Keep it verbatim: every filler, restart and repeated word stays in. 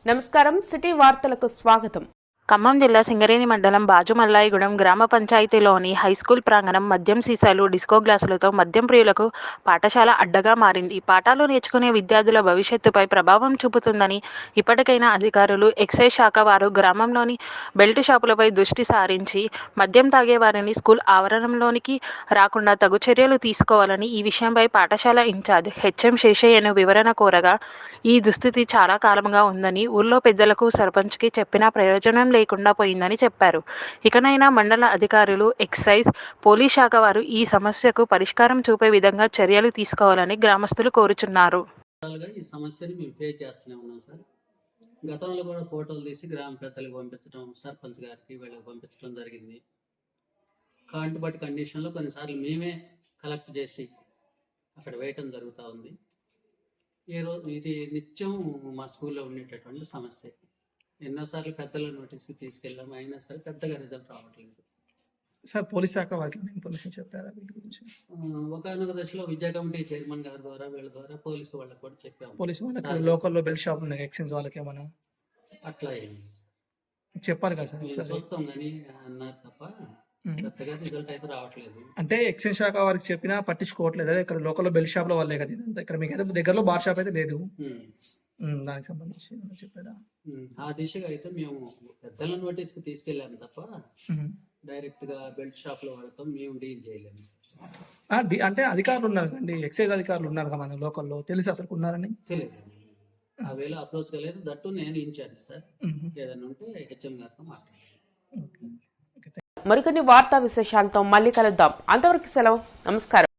నమస్కారం సిటీ వార్తలకు స్వాగతం. ఖమ్మం జిల్లా సింగరేణి మండలం బాజుమల్లాయిగూడెం గ్రామ పంచాయతీలోని హైస్కూల్ ప్రాంగణం మద్యం సీసాలు, డిస్కో గ్లాసులతో మద్యం ప్రియులకు పాఠశాల అడ్డగా మారింది. పాఠాలు నేర్చుకునే విద్యార్థుల భవిష్యత్తుపై ప్రభావం చూపుతుందని ఇప్పటికైనా అధికారులు, ఎక్సైజ్ శాఖ వారు గ్రామంలోని బెల్ట్ షాపులపై దృష్టి సారించి మద్యం తాగే వారిని స్కూల్ ఆవరణంలోనికి రాకుండా తగు చర్యలు తీసుకోవాలని ఈ విషయంపై పాఠశాల ఇన్ఛార్జ్ హెచ్ఎం శేషయ్యను వివరణ కోరగా, ఈ దుస్థితి చాలా కాలంగా ఉందని, ఊళ్ళో పెద్దలకు, సర్పంచ్కి చెప్పినా ప్రయోజనం లేకుండా పోయిందని చెప్పారు. ఇకనైనా మండల అధికారులు, ఎక్సైజ్, పోలీస్ శాఖ వారు ఈ సమస్యకు పరిష్కారం చూపే విధంగా చర్యలు తీసుకోవాలని గ్రామస్తులు కోరుచున్నారు. ఈ సమస్యని మేము ఫేస్ చేస్తూనే ఉన్నాం సార్. గతంలో కూడా ఫోటోలు తీసి గ్రామ పెద్దలకు పంపించడం, సర్పంచ్ గారికి వీళ్ళకి పంపించడం జరిగింది. కాంటుబట్టి కండిషన్లో కొన్నిసార్లు మేమే కలెక్ట్ చేసి అక్కడ వేయటం జరుగుతూ ఉంది. ఈరోజు ఇది నిత్యం మా స్కూల్లో ఉండేటటువంటి సమస్య. ఎన్నోసార్లు పెద్దల నోటీస్కి తీసుకెళ్ళాము, అయినా సరే పెద్దగా రిజల్ట్ రావట్లేదు సార్. పోలీస్ శాఖ వారికి ఇన్ఫర్మేషన్ చెప్పారా వీటి గురించి? ఒకనొక దశలో విద్యా కమిటీ చైర్మన్ గారి ద్వారా వీళ్ళ ద్వారా పోలీసు వాళ్ళకి కూడా చెప్పాము. పోలీసు వాళ్ళకి లోకల్లో బెల్ట్ షాప్ ఉన్నాయి, ఎక్సైజ్ వాళ్ళకి ఏమన్నా అట్లా ఏమి చెప్పాలి కదా సార్? మేము చూస్తాం కానీ అన్నారు తప్ప పెద్దగా రిజల్ట్ అయితే రావట్లేదు. అంటే ఎక్సైజ్ శాఖ వారికి చెప్పినా పట్టించుకోవట్లేదు. ఇక్కడ లోకల్లో బెల్ట్ షాప్ లో వాళ్ళే కదా ఇదంతా. ఇక్కడ మీకు అయితే దగ్గరలో బార్ షాప్ అయితే లేదు, దానికి సంబంధించి చెప్పారా? ఆ దిశగా అయితే మేము పెద్దల నోటీస్కి తీసుకెళ్ళాము తప్ప డైరెక్ట్ గా బెల్ట్ షాప్ లో వాడతాం మేము డీల్ చేయలేము. అంటే అధికారులు ఉన్నారు కండి, ఎక్సైజ్ అధికారులు ఉన్నారు కదా మన లోకల్లో, తెలిసి అసలు ఉన్నారని తెలియదు. ఆ వేళ అప్రోచ్ కాలేదు. దట్టు నేను ఇన్ఛార్జ్ సార్. ఏదైనా ఉంటే హెచ్ఎం గారితో మాట్లాడతాను. మరికొన్ని వార్తా విశేషాలతో మళ్ళీ కలుద్దాం. అంతవరకు సెలవు. నమస్కారం.